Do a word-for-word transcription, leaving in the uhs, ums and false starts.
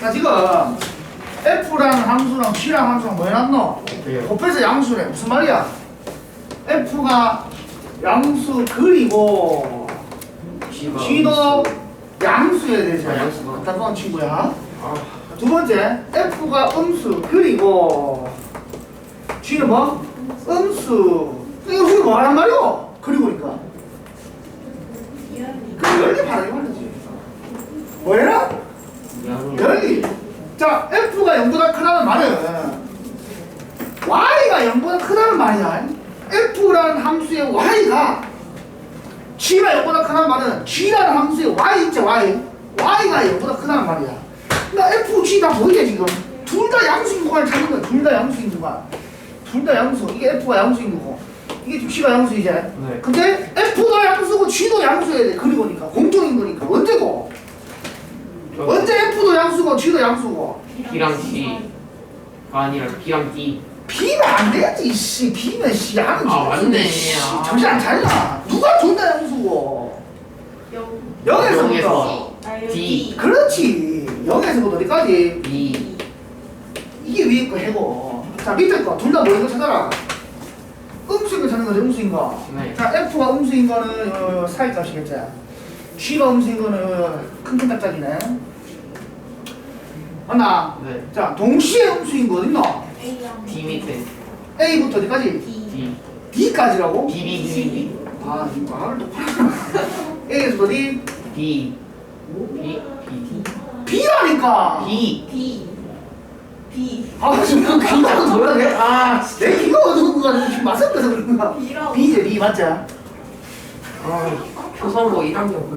자 지금 F라는 함수랑 G라는 함수랑 뭐 해놨노? 곱해서 양수래. 무슨 말이야? F가 양수 그리고 G도 양수여야 되지. 아, 양수가. 갖다 놓은 친구야. 아, 두 번째, F가 음수 그리고 G는 뭐? 음수. 이거 우리 뭐 하란 말이오? 그리고니까. 그 열리 바라기 말이지. 뭐해라? 열리. 자, F가 영보다 크다는 말은 Y가 영보다 크다는 말이야. F라는 함수의 Y가 G가 영보다 크다는 말은 G라는 함수의 Y 있지, Y. Y가 영보다 크다는 말이야. 나 F, G 다 보이게 지금. 둘 다 양수인 구간을 찾는 거야. 둘 다 양수인 구간. 둘 다 양수. 이게 F가 양수인 거고. 이게 지금 G가 양수이지. 네. 근데 F도 양수고 G도 양수여야 돼. 그리고니까. 공통인 거니까. 언제고? 언제 F도 양수고 G도 양수고? B랑 C가 아니라 B랑 D. B면 안 되지, 씨. B면 씨. 하는 아, 맞네. 씨, 정신 안 차리나? 누가 둘 다 양수고? 영에서부터. 영에서 D. 그렇지. 영에서부터 어디까지? B. 이게 위에 거 해고. 자, 밑에 거. 둘 다 뭐인 거 찾아라. 음수인 거 찾는 거지, 음수인 거. 네. 자, F가 음수인 거는 요, 요 사이 값이겠지. G가 음수인 거는 요, 요 큰큰 짝짝이네. 맞나? 네. 자, 동시에 음수인 거 어딨노? D 밑에 A부터 어디까지? D. D까지라고? B, B, B, B. 아, 이 말을 똑바로 하잖아. A에서 어디? B. B. B. B라니까! B. B B 아, 지금 귀가 뭐야, 내? 아, 내 귀가 어두운 거 같은데 지금 맞았다 그러는 거야. B라고. B제 B 맞지? 아, 표선고 일 학년